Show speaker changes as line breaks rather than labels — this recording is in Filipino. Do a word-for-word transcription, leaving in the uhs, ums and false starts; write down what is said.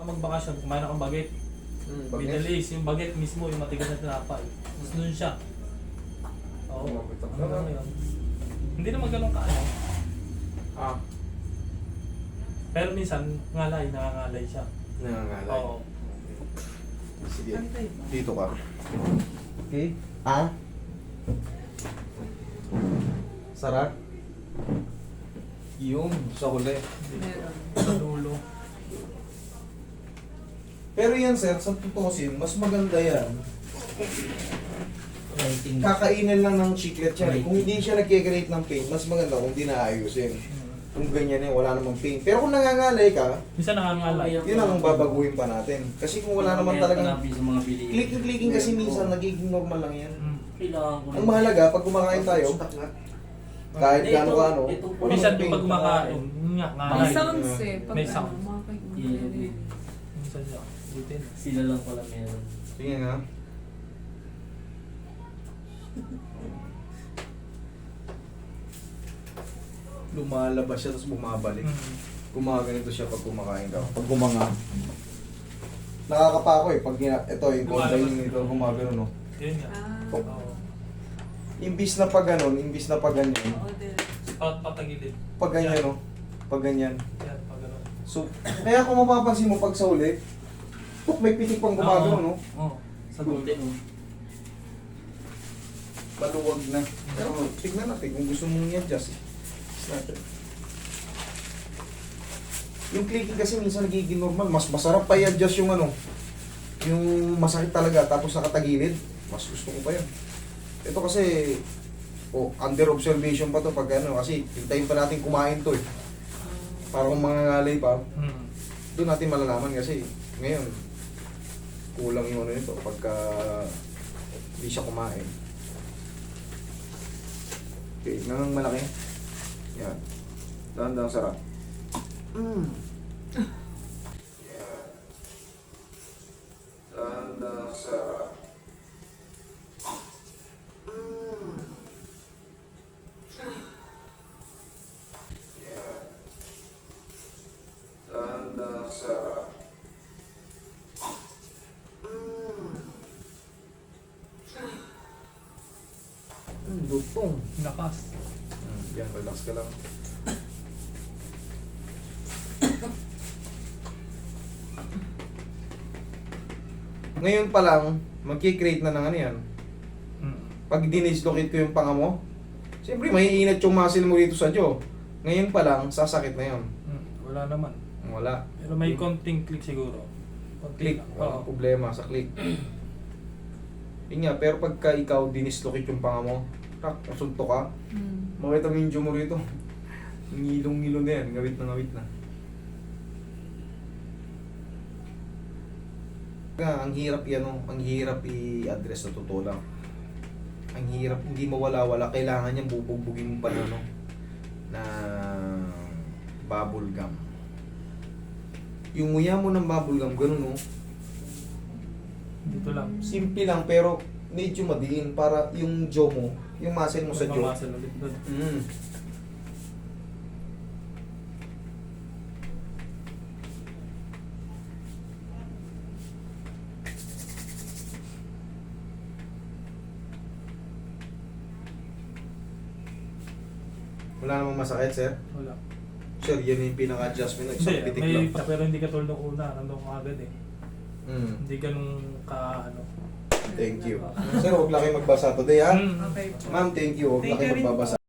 ka magbakasyon, kumain akong baget.
Hmm,
Middle East, yung baget mismo, yung matigas na tinapay. Tapos doon siya. Oo.
Lumapit ang
Ano
sarap.
yun? Hindi naman ganun ka ano.
Ah,
Pero minsan, ngalay, nangangalay siya.
nangangalay.
Oo.
Sige,
Pantay ba?
dito ka. Okay. Ah? Sarap? Yung sa huli.
Meron.
Sa dulo.
Pero yan sir, sa tutusin, mas maganda yan. Kakainin lang ng chiclet yan. Kung hindi siya nagkikreate ng pain, mas maganda kung hindi naayusin. Kung ganyan yan, wala namang pain. Pero kung nangangalay ka,
Minsan nangangalay.
yun ang babaguhin pa natin. Kasi kung wala naman talagang
sa mga bilihin.
clicking-clicking kasi minsan nagiging normal lang yan.
Mm.
Kailangan ko
Ang mahalaga, pag kumakain tayo, kahit
Ito,
gaano kaano,
ito po.
walang
Minsan
pain.
yung pag kumakain, yun nga,
May
ngalay.
sounds eh. Pag
May
ano,
sounds.
mga kay-
Yeah.
Minsan siya. Bitin.
Sila lang pala meron.
Sige nga. Lumalabas siya tapos bumabalik.
Mm.
Gumaganito siya pag kumakain ka. Pag gumanga. Nakakapa ako eh. Pag gina- ito yung kontra yung nito gumagano no.
Yun nga.
Ah.
Oo.
Imbis na pag ganon, imbis na pag ganyan.
Oo, din.
Pat patagilid.
Pag ganyan no. Pag ganyan.
Yan, pag gano'n.
So, kaya kung mapapansin mo pag sa uli, puk, may pitik pang gumagano no.
Oo. Sa dulo.
Kunti, oh.
Maluwag na. Pero tignan natin kung gusto mong i-adjust. Natin. Yung clicking kasi minsan nagiging normal. Mas masarap pa i-adjust yung ano, yung masakit talaga tapos nakatagilid. Mas gusto ko pa yun. Ito kasi, oh, under observation pa to pag ano, kasi hintayin pa natin kumain to eh. Para kung mga ngalay pa,
Mm.
doon natin malalaman kasi ngayon, kulang yung ano nito pagka hindi siya kumain. Okay, nangang malaki. Yan. Dahan-dahan sarap. Mm. Yan. Dahan-dahan sarap. Mm. Yan. Dahan-dahan sarap. Mm. Mm, lutong.
Lakas.
Mm, yan, relax ka lang. Ngayon pa lang, magkikreate na ng ano yan.
Mm.
Pag dinislocate ko yung panga mo, siyempre maiinat yung muscle mo dito sa jaw. Ngayon pa lang, sasakit na yun.
Mm. Wala naman.
Wala.
Pero may konting click siguro. Konting
Click.
lang.
Walang
Oo.
problema sa click. Yun nga, pero pagka ikaw dinislocate yung panga mo, tak, nasunto ka,
Hmm.
makita mo yung jaw mo rito. Ngilong-ngilo na yan, ngawit na ngawit na. Nga, ang hirap yan, oh. Ang hirap i-address na totoo lang. Ang hirap, hindi mawala-wala. Kailangan niyang bubugbugin mo pa na, no? Na bubble gum. Yung nguya mo ng bubble gum, ganun, no?
Dito lang.
Simple lang, pero medyo madiin para yung jaw mo, yung muscle mo sa jaw.
Mamasal ulit doon.
Mm. Wala namang masakit, sir.
Wala.
Sir, yan yung pinaka-adjustment.
Hindi,
Isang pitik
may
lang.
pa, pero hindi katulad ng una. Nandun ko agad eh.
Mm.
Hindi ganun ka ano.
Thank you. Sir, huwag lang kayo magbasa today, ha?
Mm.
Okay po.
Ma'am, thank you. Huwag lang
Thank
kayo
you rin po.
magbabasa.